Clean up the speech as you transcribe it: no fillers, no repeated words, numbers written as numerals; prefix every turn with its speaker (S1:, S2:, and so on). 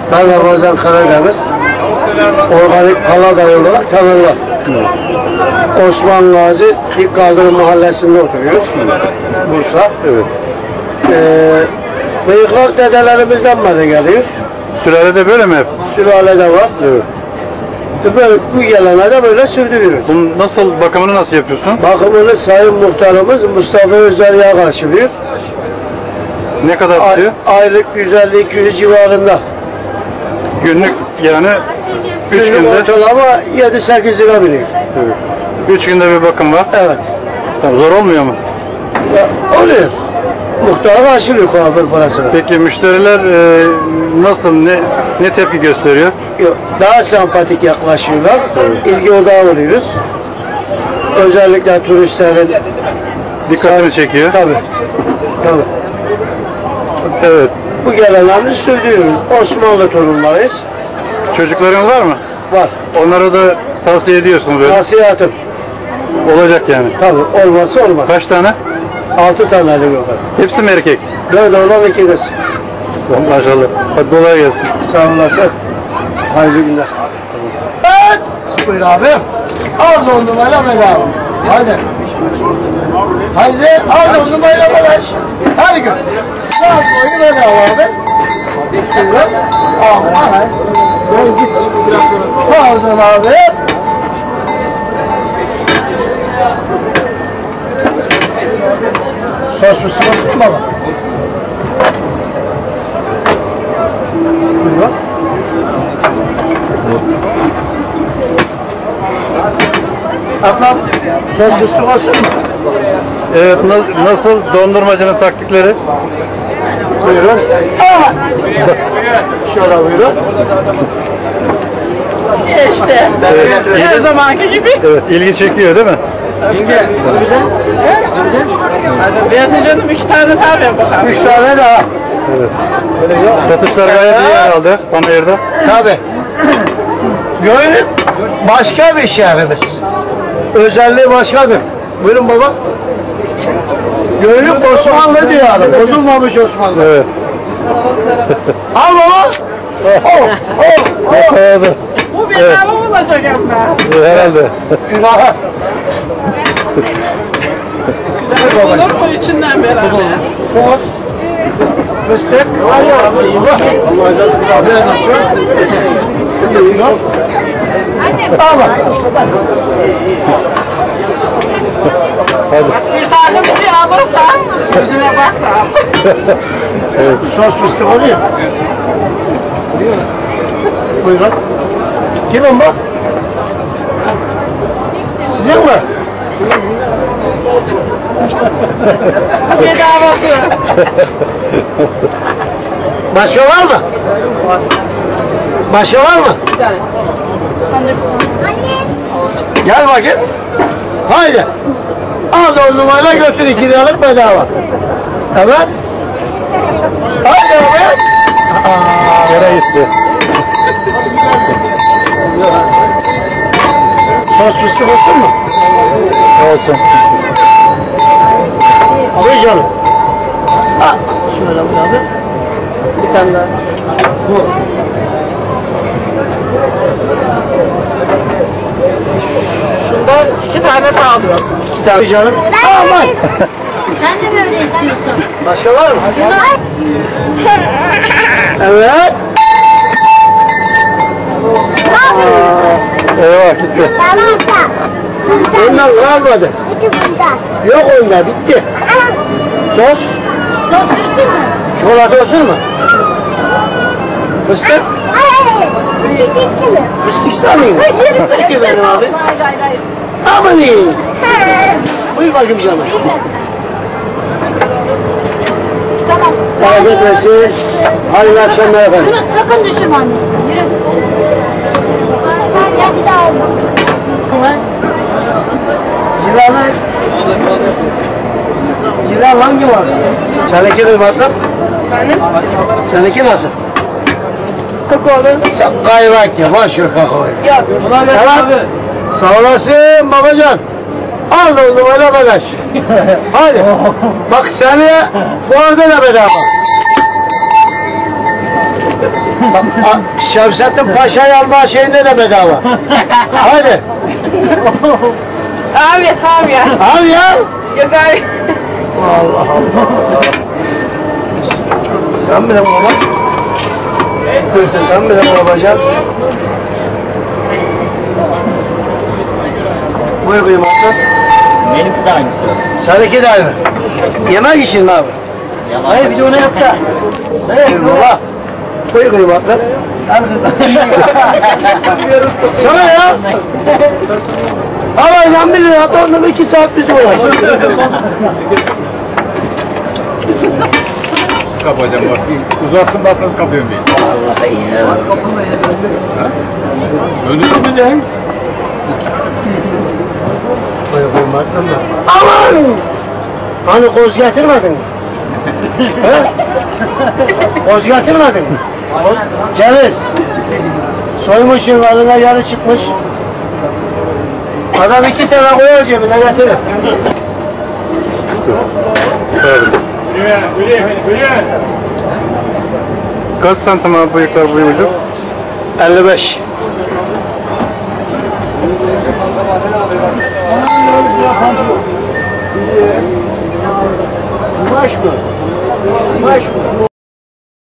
S1: Ben Ramazan Karademir. Organik Palada olarak tanırlar. Osman Gazi İlk Kaldırım Mahallesi'nde oturuyoruz. Bursa.
S2: Evet.
S1: Bıyıklar dedelerimizden beri geliyor.
S2: Sülalede böyle mi hep?
S1: Sülalede var.
S2: Evet.
S1: Böyle, bu gelene de böyle sürdürüyoruz.
S2: Bunun bakımını nasıl yapıyorsun?
S1: Bakımını Sayın Muhtarımız Mustafa Özderyağ karşılıyor.
S2: Ne kadar tutuyor?
S1: Aylık 150-200 civarında.
S2: Günlük yani 3
S1: Günlük
S2: günde.
S1: ortalama 7-8 lira veriyor.
S2: Evet. 3 günde bir bakım var.
S1: Evet.
S2: Tamam, zor olmuyor mu?
S1: Oluyor. Muhtara karşılıyor kuaför parasını.
S2: Peki müşteriler nasıl, ne tepki gösteriyor?
S1: Yok, daha sempatik yaklaşıyorlar. İlgi odağı oluyoruz. Özellikle turistlerin
S2: Dikkatini çekiyor.
S1: Tabii.
S2: Evet.
S1: Bu gelenleri sürdürüyoruz. Osmanlı torunlarıyız.
S2: Çocukların var mı?
S1: Var.
S2: Onlara da tavsiye ediyorsunuz böyle.
S1: Nasihatım.
S2: Olacak yani.
S1: Tabii. Olmazsa olmaz.
S2: Kaç tane?
S1: 6 tane elim var.
S2: Hepsi mi erkek?
S1: 4 oğlan 2 kız.
S2: Maşallah. Hadi kolay gelsin.
S1: Sağ olasın. Hayırlı günler. Evet. Buyur abi. Al dondurmayla bedava. Hadi. Hadi al dondurmayla bedava. Her gün. Al boyu bedava abi. Buyurun. Al. Sen git. Pardon abi. Sos mu sıvası mı baba? Buyurun. Ablam, sos mu sıvası mı?
S2: Evet, nasıl dondurmacının taktikleri?
S1: Buyurun. Şöyle buyurun.
S3: İşte.
S2: Evet.
S3: Her zamanki gibi.
S2: Evet, ilgi çekiyor değil mi?
S3: Beyasin canım 2 tane daha ver bakalım.
S1: 3 tane daha.
S2: Evet. Satışlar gayet iyi herhalde panayırda.
S1: Tabii. Gönül başka bir şehrimiz. Özelliği başkadır. Buyurun baba. Gönül Osmanlı diyarı. Bozulmamış Osmanlı.
S2: Evet.
S1: Al baba.
S2: Oldu.
S3: Bu bedava olacak ama.
S2: Herhalde.
S1: Günaha.
S3: Olur mu içinden beraber?
S1: Sos. Fıstık. Al bak.
S3: Bir tane bir alırsan yüzüne bak da.
S1: Sos fıstık oluyor. Buyurun. Kimin bu? Sizin mi?
S3: Bedavası.
S1: Başka var mı? Başka var mı? Gel bakayım. Haydi. Al dondurmayla götür 2 liralık bedava. Evet. Haydi abi.
S2: Yere gitti.
S1: Sos fıstık olsun mu?
S2: Olsun.
S1: Abi canım. Ha. Şöyle bu abi. Bir tane daha. Bu.
S3: Şundan 2 tane daha alıyorsun.
S1: 2 tane canım. Aman.
S4: Sen de böyle istiyorsun.
S1: Başka var mı? Evet.
S2: Eyvah gitti.
S1: Ondan kalmadı. Yok onda bitti. Sos.
S4: Sos sürsün mü?
S1: Çikolata olsun mu? Fıstık.
S4: Hayır. Bitti mi?
S1: Fıstık istemeyin. Peki benim abi.
S3: Hayır.
S1: Aman iyi. Buyur bakayım canım.
S4: Tamam.
S1: Afiyet olsun. Hayırlı akşamlar efendim.
S4: Bunu sakın düşürme annesi. Yürü. Bu sefer ya bir daha olma.
S1: Cilalar. Cilal hangi var? Seninki mi bakalım? Seninki nasıl?
S3: Kakaolu.
S1: Sen kaymak ya, boş ver kakaoyu.
S3: Yok.
S1: Tamam. Sağ olasın babacan. Al dondurmayla bagaj. Hadi. Bak seni bu arada da bedava. Şevsettin Paşa'yı alma şeyinde de bedava. Hadi.
S3: Abi tamam ya.
S1: Al ya.
S3: Yok abi.
S1: Allah Allah. Sen bile baba. Sen bile babacan. Buyur kıymatlı.
S5: Benimki de aynısı.
S1: Seninki de aynı. Yemek için mi abi? Hayır bir de onu yap da. Evet baba. Buyur kıymatlı. Sana ya. Alacağım 1 lira atandım 2 saat bizi uğraşıyor.
S2: Nasıl kapacağım bak. Uzatsın bak nasıl kapıyorum diye.
S1: Vallahi ya.
S2: Öldürmeyeceğim.
S1: Buyur kıymatlı mı? Aman! Hani koz getirmedin mi? He? Koz getirmedin mi? Ceviz. Soymuşsun adına yarı çıkmış. Adam 2 tane koyar cebine getirir.
S2: Kaç santim abi bıyıklar boyu ucu?
S1: 55. Kumaş mı? Kumaş mı?